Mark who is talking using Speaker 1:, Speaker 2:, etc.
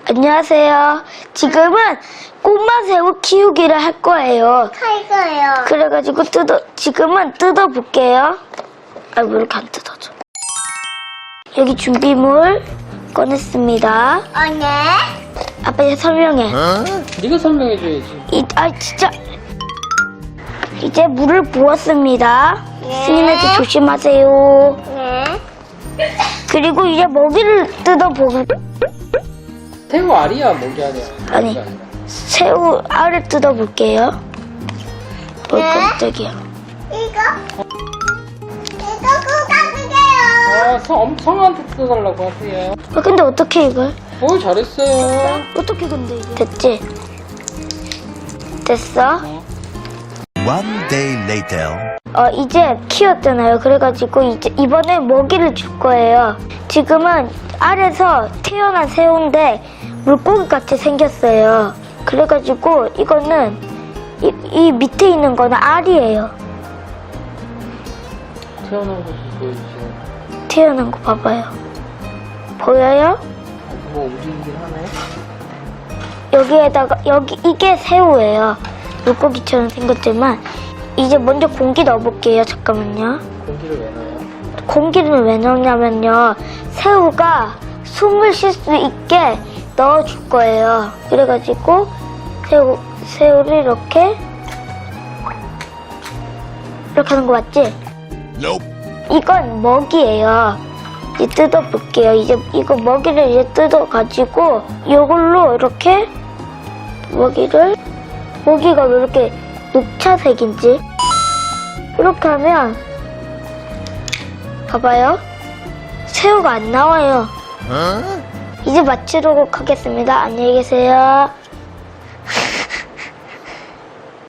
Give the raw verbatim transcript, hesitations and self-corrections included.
Speaker 1: 안녕하세요. 지금은 꼬마 새우 키우기를 할 거예요.
Speaker 2: 할 거예요.
Speaker 1: 그래가지고 뜯어, 지금은 뜯어볼게요. 아, 왜 이렇게 안 뜯어져? 여기 준비물 꺼냈습니다.
Speaker 2: 어, 네.
Speaker 1: 아빠 이제 설명해.
Speaker 3: 네가 설명해줘야지.
Speaker 1: 이, 아, 진짜. 이제 물을 부었습니다.
Speaker 2: 네.
Speaker 1: 승인아들 조심하세요.
Speaker 2: 네.
Speaker 1: 그리고 이제 먹이를 뜯어보고,
Speaker 3: 새우 알이야, 목이 아니야.
Speaker 1: 아니.
Speaker 3: 목이 아니라.
Speaker 1: 새우 알을 뜯어볼게요. 어,
Speaker 2: 네.
Speaker 1: 깜짝이야.
Speaker 2: 이거? 이거 꾹꾹해요.
Speaker 3: 아, 성, 성한테 뜯어달라고 하세요.
Speaker 1: 아, 근데 어떻게 이걸?
Speaker 3: 오, 잘했어요.
Speaker 1: 어떻게 근데 이게? 됐지? 됐어?
Speaker 4: One day later.
Speaker 1: 어, 이제 키웠잖아요. 그래가지고 이제 이번에 먹이를 줄 거예요. 지금은 알에서 태어난 새우인데 물고기 같이 생겼어요. 그래가지고 이거는 이, 이 밑에 있는 거는 알이에요.
Speaker 3: 태어난 거 좀 보여주세요.
Speaker 1: 태어난 거 봐봐요. 보여요?
Speaker 3: 뭐 움직이긴 하네.
Speaker 1: 여기에다가 여기 이게 새우예요. 물고기처럼 생겼지만 이제 먼저 공기 넣어볼게요. 잠깐만요.
Speaker 3: 공기를 왜 넣어요?
Speaker 1: 공기를 왜 넣냐면요, 새우가 숨을 쉴 수 있게 넣어줄 거예요. 그래가지고 새우 새우를 이렇게 이렇게 하는 거 맞지?
Speaker 4: Nope.
Speaker 1: 이건 먹이에요. 이제 뜯어볼게요. 이제 이거 먹이를 이제 뜯어가지고 이걸로 이렇게 먹이를 먹이가 왜 이렇게 녹차색인지 이렇게 하면 봐봐요. 새우가 안 나와요.
Speaker 4: Huh?
Speaker 1: 이제 마치도록 하겠습니다. 안녕히 계세요.